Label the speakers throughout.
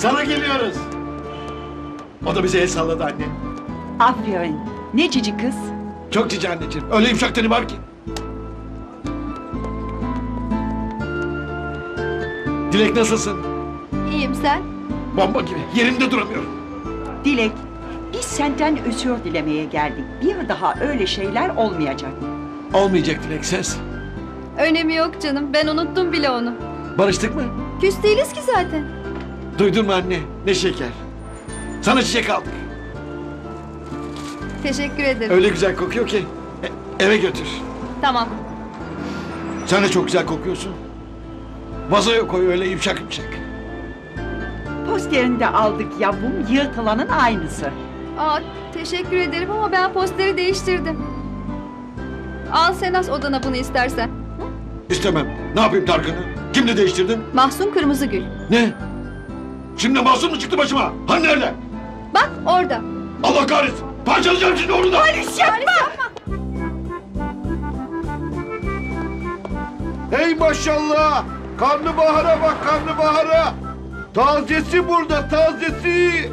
Speaker 1: Sana geliyoruz. O da bize el salladı anne.
Speaker 2: Aferin. Ne cici kız.
Speaker 1: Çok cici anneciğim. Öyle yumuşak teni var ki. Dilek nasılsın?
Speaker 3: İyiyim sen?
Speaker 1: Bomba gibi. Yerimde duramıyorum.
Speaker 2: Dilek, biz senden özür dilemeye geldik. Bir daha öyle şeyler olmayacak.
Speaker 1: Olmayacak Dilek ses.
Speaker 3: Önemi yok canım. Ben unuttum bile onu.
Speaker 1: Barıştık mı?
Speaker 3: Küs değiliz ki zaten.
Speaker 1: Duydun mu anne? Ne şeker. Sana çiçek aldık.
Speaker 3: Teşekkür ederim.
Speaker 1: Öyle güzel kokuyor ki. Eve götür.
Speaker 3: Tamam.
Speaker 1: Sen de çok güzel kokuyorsun. Vazoya koy öyle yumuşak yumuşak.
Speaker 2: Posterini de aldık yavrum, yırtılanın aynısı.
Speaker 3: Aa, teşekkür ederim ama ben posteri değiştirdim. Al sen as odana bunu istersen.
Speaker 1: İstemem. Ne yapayım Tarkan'ı? Kimle değiştirdin?
Speaker 3: Mahsun Kırmızıgül.
Speaker 1: Ne? Şimdi Mahsun mu çıktı başıma? Hani nerede?
Speaker 3: Bak orada.
Speaker 1: Allah kahretsin. Parçalayacağım şimdi onu da.
Speaker 3: Halis yapma.
Speaker 4: Hey maşallah! Karnabahara bak karnabahara! Tazesi burada tazesi!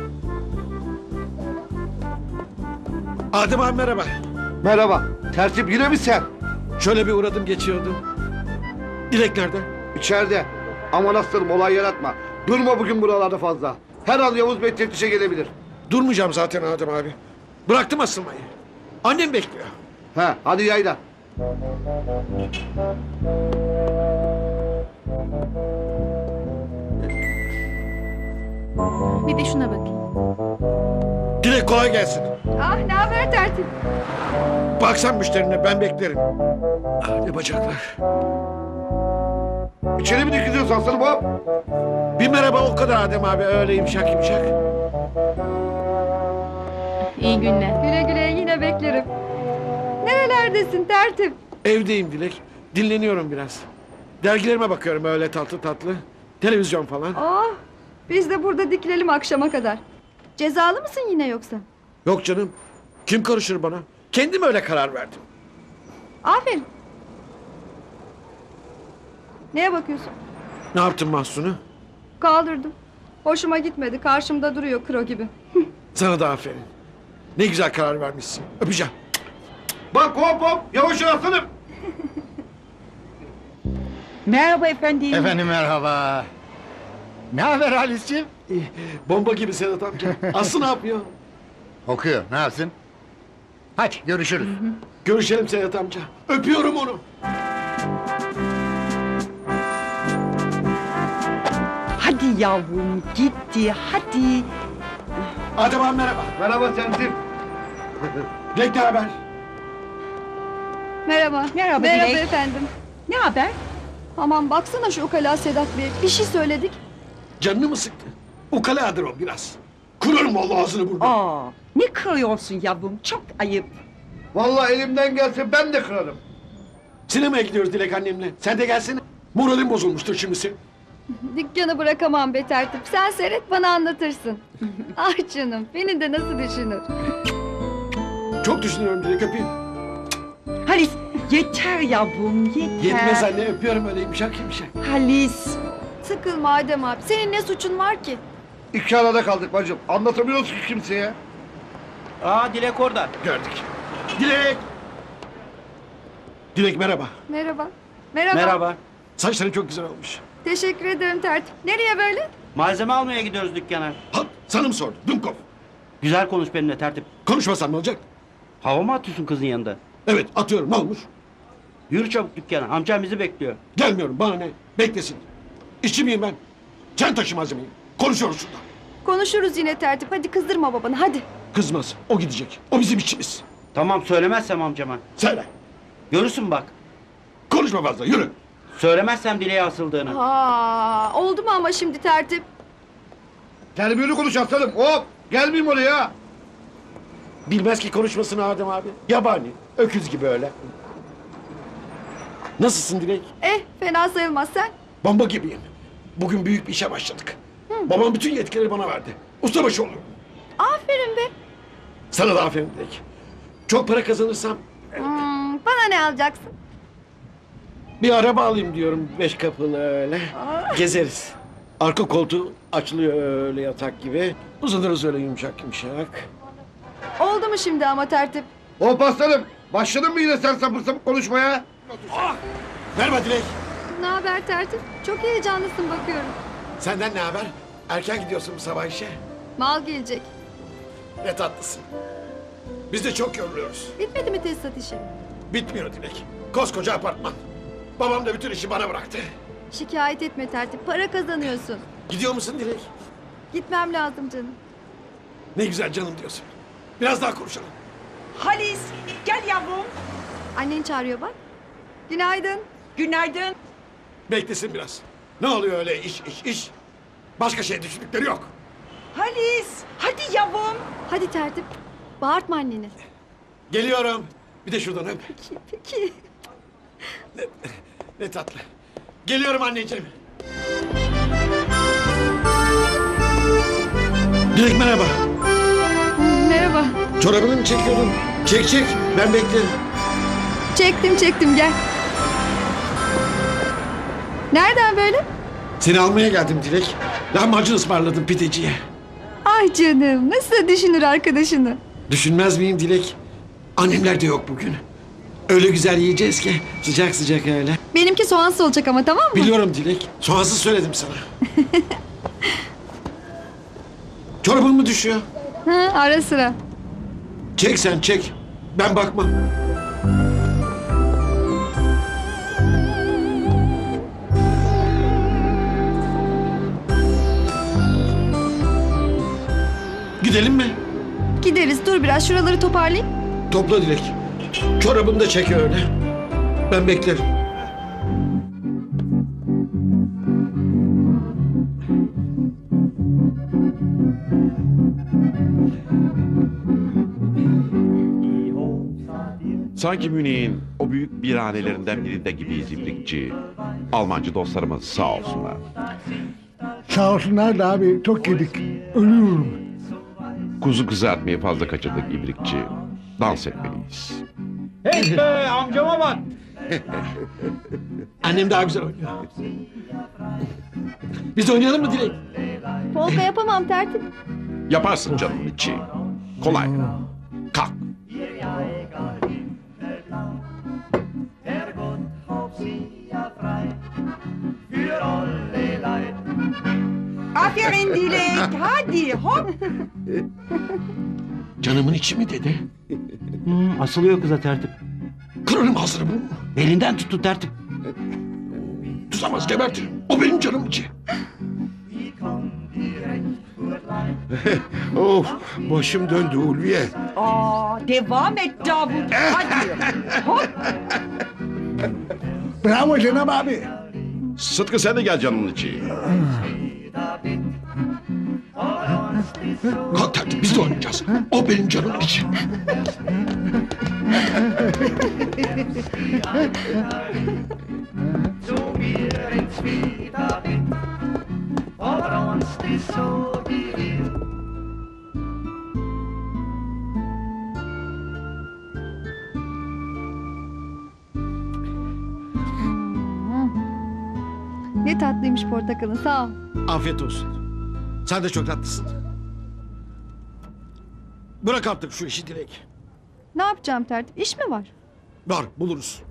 Speaker 1: Adem abi merhaba.
Speaker 4: Merhaba. Tertip yine mi sen?
Speaker 1: Şöyle bir uğradım geçiyordum. Dilek nerede?
Speaker 4: İçeride. Aman aslanım olay yaratma. Durma bugün buralarda fazla. Her an Yavuz Bey teftişe gelebilir.
Speaker 1: Durmayacağım zaten Adem abi. Bıraktım asılmayı. Annem bekliyor.
Speaker 4: He hadi yayla.
Speaker 3: Bir de şuna bakayım.
Speaker 1: Dilek kolay gelsin.
Speaker 3: Ah ne haber tertip?
Speaker 1: Baksan müşterine ben beklerim. Ah, ne bacaklar.
Speaker 4: İçeri mi dikiliyorsun aslanım hop?
Speaker 1: Bir merhaba o kadar Adem abi öyle yumuşak yumuşak.
Speaker 3: İyi günler. Güle güle yine beklerim. Nerelerdesin tertip?
Speaker 1: Evdeyim Dilek. Dinleniyorum biraz. Dergilerime bakıyorum öyle tatlı tatlı. Televizyon falan.
Speaker 3: Oh, biz de burada dikilelim akşama kadar. Cezalı mısın yine yoksa?
Speaker 1: Yok canım. Kim karışır bana? Kendim öyle karar verdim.
Speaker 3: Aferin. Neye bakıyorsun?
Speaker 1: Ne yaptın Mahsun'u?
Speaker 3: Kaldırdım. Hoşuma gitmedi. Karşımda duruyor kro gibi.
Speaker 1: Sana da aferin. Ne güzel karar vermişsin. Öpeceğim.
Speaker 4: Bak hop hop yavaş ol aslanım.
Speaker 2: Merhaba efendim.
Speaker 5: Efendim merhaba. Ne haber Halis'ciğim?
Speaker 1: Bomba gibi Sedat amca. Aslı ne yapıyor?
Speaker 5: Okuyor, ne yapsın? Hadi görüşürüz.
Speaker 1: Görüşelim Sedat amca. Öpüyorum onu.
Speaker 2: Hadi yavrum, gitti, hadi.
Speaker 1: Adem abi merhaba.
Speaker 4: Merhaba tertip.
Speaker 1: Dilek ne haber?
Speaker 3: Merhaba.
Speaker 2: Merhaba
Speaker 3: Merhaba
Speaker 2: Dilek.
Speaker 3: efendim.
Speaker 2: Ne haber?
Speaker 3: Aman baksana şu ukala Sedat Bey. Bir şey söyledik.
Speaker 1: Canını mı sıktı? Ukaladır o biraz. Kurarım vallahi ağzını burnunu.
Speaker 2: Aa, ne kırıyorsun yavrum, çok ayıp.
Speaker 4: Vallahi elimden gelse ben de kırarım.
Speaker 1: Sinemaya gidiyoruz Dilek annemle. Sen de gelsene. Moralim bozulmuştur şimdi senin.
Speaker 3: Dükkanı bırakamam be tertip. Sen seyret bana anlatırsın. Ah canım beni de nasıl düşünür.
Speaker 1: Çok düşünüyorum Dilek öpeyim.
Speaker 2: Halis, yeter yavrum, yeter.
Speaker 1: Yetmez anne öpüyorum öyle yumuşak yumuşak.
Speaker 2: Halis.
Speaker 3: Sıkılma Adem abi. Senin ne suçun var ki?
Speaker 4: İki arada kaldık bacım. Anlatamıyoruz ki kimseye.
Speaker 6: Aa Dilek orada.
Speaker 1: Gördük. Dilek. Dilek merhaba.
Speaker 3: Merhaba. Merhaba.
Speaker 6: Merhaba.
Speaker 1: Saçların çok güzel olmuş.
Speaker 3: Teşekkür ederim tertip. Nereye böyle?
Speaker 6: Malzeme almaya gidiyoruz dükkana.
Speaker 1: Ha, sana mı sordu? Dumkov.
Speaker 6: Güzel konuş benimle tertip.
Speaker 1: Konuşmasan ne olacak?
Speaker 6: Hava mı atıyorsun kızın yanında?
Speaker 1: Evet atıyorum ne olmuş?
Speaker 6: Yürü çabuk dükkana. Amcam bizi bekliyor.
Speaker 1: Gelmiyorum bana ne? Beklesin. İşçi miyim ben? Sen taşı malzemeyi. Konuşuyoruz şurada.
Speaker 3: Konuşuruz yine tertip. Hadi kızdırma babanı hadi.
Speaker 1: Kızmaz. O gidecek. O bizim işçimiz.
Speaker 6: Tamam söylemezsem amcama.
Speaker 1: Söyle.
Speaker 6: Görürsün bak.
Speaker 1: Konuşma fazla yürü.
Speaker 6: Söylemezsem dileğe asıldığını.
Speaker 3: Aa, oldu mu ama şimdi tertip?
Speaker 4: Terbiyeli konuş aslanım hop. Gelmeyeyim oraya.
Speaker 1: Bilmez ki konuşmasını Adem abi. Yabani. Öküz gibi öyle. Nasılsın Dilek?
Speaker 3: Fena sayılmaz sen.
Speaker 1: Bomba gibiyim. Bugün büyük bir işe başladık. Babam bütün yetkileri bana verdi. Ustabaşı oluyorum.
Speaker 3: Aferin be.
Speaker 1: Sana da aferin Dilek. Çok para kazanırsam
Speaker 3: Bana ne alacaksın?
Speaker 1: bir araba alayım diyorum 5 kapılı öyle. Gezeriz. Arka koltuğu açılıyor öyle yatak gibi. Uzanırız öyle yumuşak yumuşak.
Speaker 3: Oldu mu şimdi ama tertip?
Speaker 4: Hop aslanım. Başladın mı yine sen sapır sapır konuşmaya?
Speaker 1: Merhaba Dilek.
Speaker 3: Ne haber tertip? Çok heyecanlısın bakıyorum.
Speaker 1: Senden ne haber? Erken gidiyorsun bu sabah işe.
Speaker 3: Mal gelecek.
Speaker 1: Ne tatlısın. Biz de çok yoruluyoruz.
Speaker 3: Bitmedi mi tesisat işi?
Speaker 1: Bitmiyor Dilek. Koskoca apartman. Babam da bütün işi bana bıraktı.
Speaker 3: Şikayet etme tertip. Para kazanıyorsun.
Speaker 1: Gidiyor musun Dilek?
Speaker 3: Gitmem lazım canım.
Speaker 1: Ne güzel canım diyorsun. Biraz daha konuşalım.
Speaker 2: Halis, gel yavrum.
Speaker 3: Annen çağırıyor bak. Günaydın.
Speaker 2: Günaydın.
Speaker 1: Beklesin biraz. Ne oluyor öyle iş? Başka şey düşündükleri yok.
Speaker 2: Halis, hadi yavrum.
Speaker 3: Hadi tertip. Bağırtma anneni.
Speaker 1: Geliyorum. Bir de şuradan öp.
Speaker 3: Peki.
Speaker 1: Ne tatlı. Geliyorum anneciğim. Dilek merhaba.
Speaker 3: Merhaba.
Speaker 1: Çorabını mı çekiyordun? Çek. Ben beklerim.
Speaker 3: Çektim gel. Nereden böyle?
Speaker 1: Seni almaya geldim Dilek. Lahmacun ısmarladım pideciye.
Speaker 3: Ay canım nasıl da düşünür arkadaşını.
Speaker 1: Düşünmez miyim Dilek? Annemler de yok bugün. Öyle güzel yiyeceğiz ki sıcak sıcak öyle.
Speaker 3: Benimki soğansız olacak ama tamam mı?
Speaker 1: Biliyorum Dilek. Soğansız söyledim sana. Çorabın mı düşüyor?
Speaker 3: Hı, ara sıra.
Speaker 1: Çek sen çek. Ben bakmam. Gidelim mi?
Speaker 3: Gideriz dur biraz şuraları toparlayayım.
Speaker 1: Topla Dilek. Çorabını da çek öyle. Ben beklerim.
Speaker 7: Sanki Münih'in o büyük birhanelerinden birinde gibiyiz İbrikçi. Almancı dostlarımız sağ olsunlar.
Speaker 5: Sağ olsunlar da abi çok yedik. Ölüyorum.
Speaker 7: Kuzu kızartmayı fazla kaçırdık İbrikçi. Dans etmeliyiz.
Speaker 6: Hey be amcama bak.
Speaker 1: Annem daha güzel oynuyor. Biz de oynayalım mı Dilek?
Speaker 3: Polka yapamam tertip.
Speaker 7: Yaparsın canımın içi. Kolay. Kalk.
Speaker 2: Aferin Dilek, hadi hop.
Speaker 1: Canımın içi mi dedi?
Speaker 6: Asılıyor kıza tertip.
Speaker 1: Kırarım ağzını bu.
Speaker 6: Elinden tuttu tertip.
Speaker 1: Tutamaz gebertirim. O benim canım içi.
Speaker 8: Of başım döndü Ulviye.
Speaker 2: Devam et Davut, hadi. Hop.
Speaker 5: Bravo Cenab abi.
Speaker 7: Sıtkı sen de gel canımın içi.
Speaker 1: Kalk tertip biz de oynayacağız. O benim canım içi.
Speaker 3: Ne tatlıymış portakalın sağ ol.
Speaker 1: Afiyet olsun. Sen de çok tatlısın. Bırak artık şu işi Dilek.
Speaker 3: Ne yapacağım tertip? İş mi var?
Speaker 1: Var buluruz.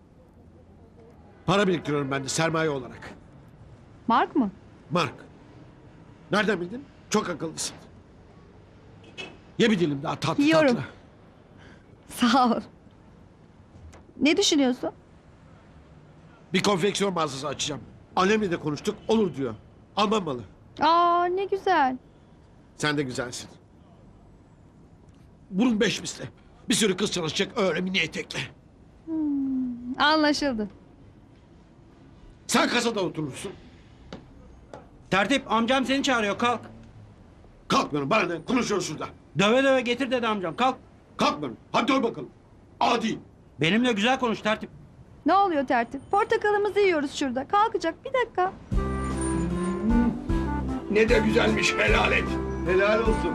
Speaker 1: Para biriktiriyorum ben de sermaye olarak.
Speaker 3: Mark mı?
Speaker 1: Mark. Nereden bildin? Çok akıllısın. Ye bir dilim daha tatlı
Speaker 3: Yiyorum.
Speaker 1: tatlı.
Speaker 3: Sağ ol. Ne düşünüyorsun?
Speaker 1: Bir konfeksiyon mağazası açacağım. Annemle de konuştuk olur diyor. Alman malı.
Speaker 3: Aa ne güzel.
Speaker 1: Sen de güzelsin. Burun 5 misli. Bir sürü kız çalışacak öyle mini etekle.
Speaker 3: Anlaşıldı.
Speaker 1: Sen kasada oturursun.
Speaker 6: Tertip amcam seni çağırıyor kalk.
Speaker 1: Kalkmıyorum bana ne konuşuyoruz şurada.
Speaker 6: Döve döve getir dedi amcam kalk.
Speaker 1: Kalkmıyorum. Hadi dur bakalım. Adi.
Speaker 6: Benimle güzel konuş tertip.
Speaker 3: Ne oluyor tertip? Portakalımızı yiyoruz şurada. Kalkacak bir dakika.
Speaker 8: Ne de güzelmiş helal et.
Speaker 4: Helal olsun.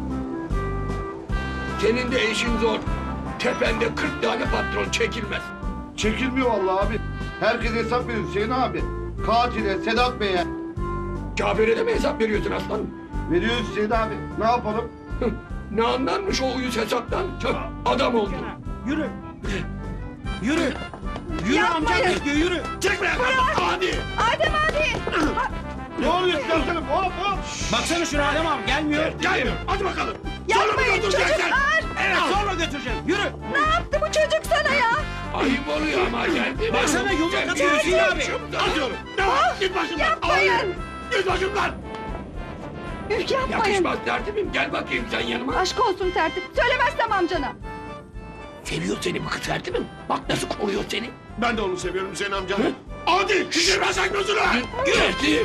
Speaker 8: Senin de işin zor. Tepende 40 tane patron çekilmez.
Speaker 4: Çekilmiyor vallahi abi. Herkes hesap veriyor Hüseyin abi. Katile, Sedat Bey'e.
Speaker 8: Cafer'e de mi hesap veriyorsun aslanım?
Speaker 4: Veriyoruz Hüseyin abi. Ne yapalım?
Speaker 8: Ne anlarmış o uyuz hesaptan? Tüh, adam oldu.
Speaker 6: Yürü. Yürü. Yürü amcam bekliyor yürü.
Speaker 8: Çek be hadi.
Speaker 3: Adem abi.
Speaker 4: Ne oluyor aslanım? Hop hop.
Speaker 6: Baksana şuna Adem abi gelmiyor.
Speaker 8: Gelmiyor. Hadi bakalım. Sonra mı
Speaker 3: Yapmayın
Speaker 8: götüreceksin?
Speaker 6: Evet sonra götüreceğim. Yürü.
Speaker 3: Ne yaptı bu çocuk sana ya?
Speaker 8: Ayıp oluyor ama geldi mi?
Speaker 6: Baksana yumruk
Speaker 8: Geldi.
Speaker 6: atıyor Hüseyin abi.
Speaker 8: Atıyorum. Devam. Git başımdan.
Speaker 3: Yapmayın.
Speaker 8: Hayır. Git başımdan.
Speaker 3: Yapmayın.
Speaker 8: Yakışmaz tertibim. Gel bakayım sen yanıma.
Speaker 3: Aşk olsun tertip. Söylemezsem amcana.
Speaker 8: Seviyor seni bu kız tertibim. Bak nasıl koruyor seni.
Speaker 4: Ben de onu seviyorum Hüseyin amca.
Speaker 8: Hadi şişirme sen gözünü. Tertip.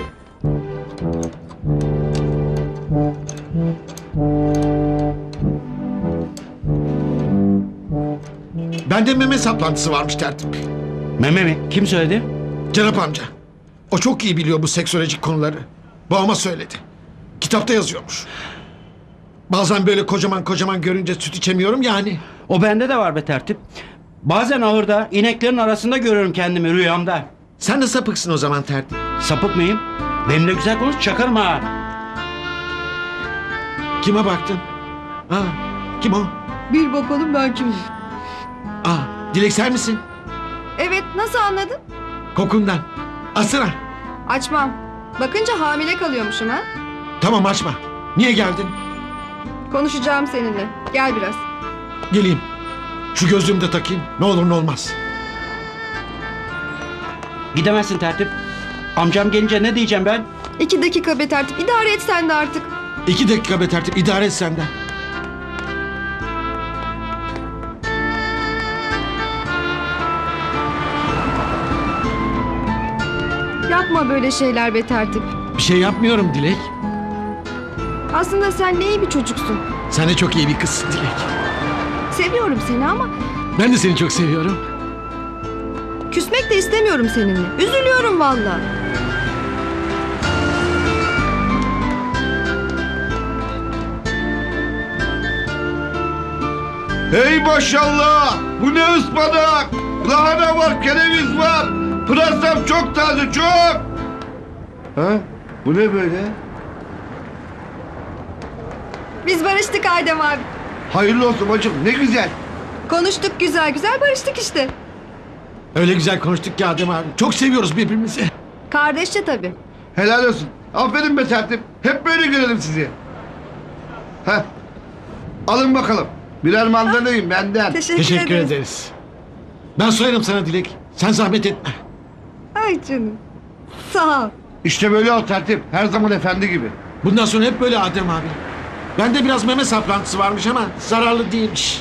Speaker 1: Bende meme saplantısı varmış tertip.
Speaker 6: Meme mi? Kim söyledi?
Speaker 1: Cenap amca. O çok iyi biliyor bu seksolojik konuları. Babama söyledi. Kitapta yazıyormuş. Bazen böyle kocaman kocaman görünce süt içemiyorum yani.
Speaker 6: O bende de var be tertip. Bazen ahırda ineklerin arasında görüyorum kendimi rüyamda.
Speaker 1: Sen de sapıksın o zaman tertip.
Speaker 6: Sapık mıyım? Benimle güzel konuş çakarım ha.
Speaker 1: Kime baktın? Aa, kim o?
Speaker 3: Bir bakalım ben kimim?
Speaker 1: Aa, Dilek sen misin?
Speaker 3: Evet, nasıl anladın?
Speaker 1: Kokundan. Asına.
Speaker 3: Açmam. Bakınca hamile kalıyormuşum ha.
Speaker 1: Tamam açma. Niye geldin?
Speaker 3: Konuşacağım seninle. Gel biraz.
Speaker 1: Geleyim. Şu gözlüğümü de takayım. Ne olur ne olmaz.
Speaker 6: Gidemezsin tertip. Amcam gelince ne diyeceğim ben?
Speaker 3: 2 dakika be tertip. İdare et sen de artık.
Speaker 1: 2 dakika be tertip. İdare et sen de.
Speaker 3: Yapma böyle şeyler be tertip.
Speaker 1: Bir şey yapmıyorum Dilek.
Speaker 3: Aslında sen ne iyi bir çocuksun.
Speaker 1: Sen de çok iyi bir kızsın Dilek.
Speaker 3: Seviyorum seni ama
Speaker 1: Ben de seni çok seviyorum.
Speaker 3: küsmek de istemiyorum seninle. Üzülüyorum valla.
Speaker 4: Hey maşallah! Bu ne ıspanak? Lahana var, kereviz var. Pırasam çok taze, çok. Ha? Bu ne böyle?
Speaker 3: Biz barıştık Adem abi.
Speaker 4: Hayırlı olsun bacım, ne güzel.
Speaker 3: Konuştuk güzel güzel barıştık işte.
Speaker 1: Öyle güzel konuştuk ki Adem abi. Çok seviyoruz birbirimizi.
Speaker 3: Kardeşçe tabii.
Speaker 4: Helal olsun. Aferin be tertip. Hep böyle görelim sizi. Heh. Alın bakalım. Birer mandalayım benden.
Speaker 1: Teşekkür ederiz. Ben soyarım sana Dilek. Sen zahmet etme.
Speaker 3: Ay canım. Sağ ol.
Speaker 4: İşte böyle ol tertip. Her zaman efendi gibi.
Speaker 1: Bundan sonra hep böyle Adem abi. Bende biraz meme saplantısı varmış ama zararlı değilmiş.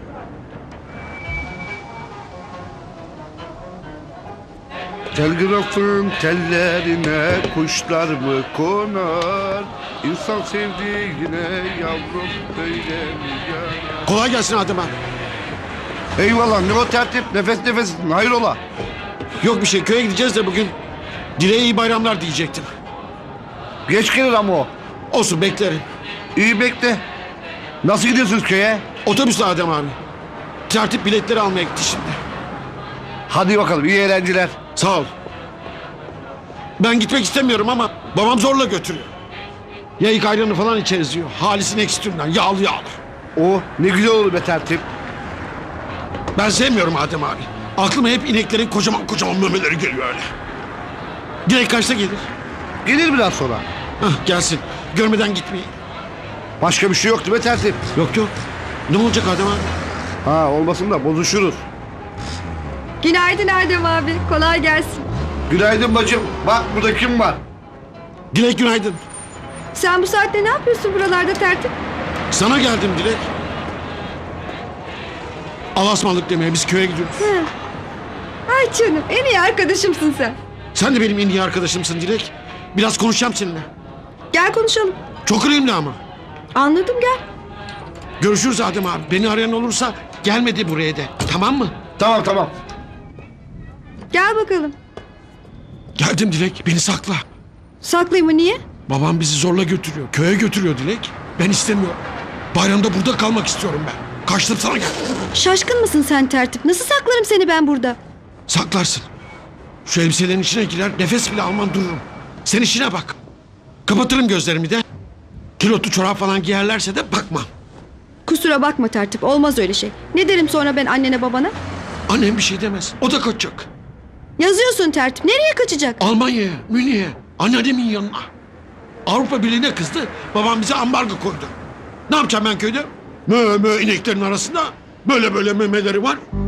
Speaker 4: Telgrafın tellerine kuşlar mı konar? İnsan sevdiğine yavrum böyle mi yanar?
Speaker 1: Kolay gelsin Adem abi.
Speaker 4: Eyvallah ne o tertip nefes nefes hayrola?
Speaker 1: Yok bir şey köye gideceğiz de bugün. Dileğe iyi bayramlar diyecektim.
Speaker 4: Geç gelir ama o.
Speaker 1: Olsun beklerim.
Speaker 4: İyi bekle. Nasıl gidiyorsunuz köye?
Speaker 1: Otobüsle Adem abi. Tertip biletleri almaya gitti şimdi.
Speaker 4: Hadi bakalım iyi eğlenceler.
Speaker 1: Sağ ol. Ben gitmek istemiyorum ama babam zorla götürüyor. Yayık ayranı falan içeriz diyor. Halis'in ekstrümden yağlı yağlı.
Speaker 4: O ne güzel olur be tertip.
Speaker 1: Ben sevmiyorum Adem abi. Aklıma hep ineklerin kocaman kocaman memeleri geliyor öyle. Dilek kaçta gelir?
Speaker 4: Gelir biraz sonra.
Speaker 1: Hah gelsin. Görmeden gitmeyin.
Speaker 4: Başka bir şey yoktu be tertip.
Speaker 1: Yok yok. Ne olacak Adem abi?
Speaker 4: Ha olmasın da bozuşuruz.
Speaker 3: Günaydın Adem abi. Kolay gelsin.
Speaker 4: Günaydın bacım. Bak burada kim var?
Speaker 1: Dilek günaydın.
Speaker 3: Sen bu saatte ne yapıyorsun buralarda tertip?
Speaker 1: Sana geldim Dilek. Alasmalık demeye biz köye gidiyoruz.
Speaker 3: Ay canım en iyi arkadaşımsın sen.
Speaker 1: Sen de benim en iyi arkadaşımsın Dilek. Biraz konuşacağım seninle.
Speaker 3: Gel konuşalım.
Speaker 1: Çok önemli ama.
Speaker 3: Anladım gel.
Speaker 1: Görüşürüz Adem abi. Beni arayan olursa gelmedi buraya de. Tamam mı?
Speaker 4: Tamam tamam.
Speaker 3: Gel bakalım.
Speaker 1: Geldim Dilek. Beni sakla.
Speaker 3: Saklayayım mı niye?
Speaker 1: Babam bizi zorla götürüyor. Köye götürüyor Dilek. Ben istemiyorum. Bayramda burada kalmak istiyorum ben. Kaçtım sana gel.
Speaker 3: Şaşkın mısın sen tertip? Nasıl saklarım seni ben burada?
Speaker 1: Saklarsın. Şu elbiselerin içine girer nefes bile alman dururum. Sen işine bak. Kapatırım gözlerimi de. Kilotlu çorap falan giyerlerse de bakmam.
Speaker 9: Kusura bakma tertip, olmaz öyle şey. Ne derim sonra ben annene babana?
Speaker 1: Annem bir şey demez. O da kaçacak.
Speaker 9: Yazıyorsun tertip, nereye kaçacak?
Speaker 1: Almanya'ya, Münih'e, anneannemin yanına. Avrupa Birliği'ne kızdı. Babam bize ambargo koydu. Ne yapacağım ben köyde? Mö ineklerin arasında böyle memeleri var.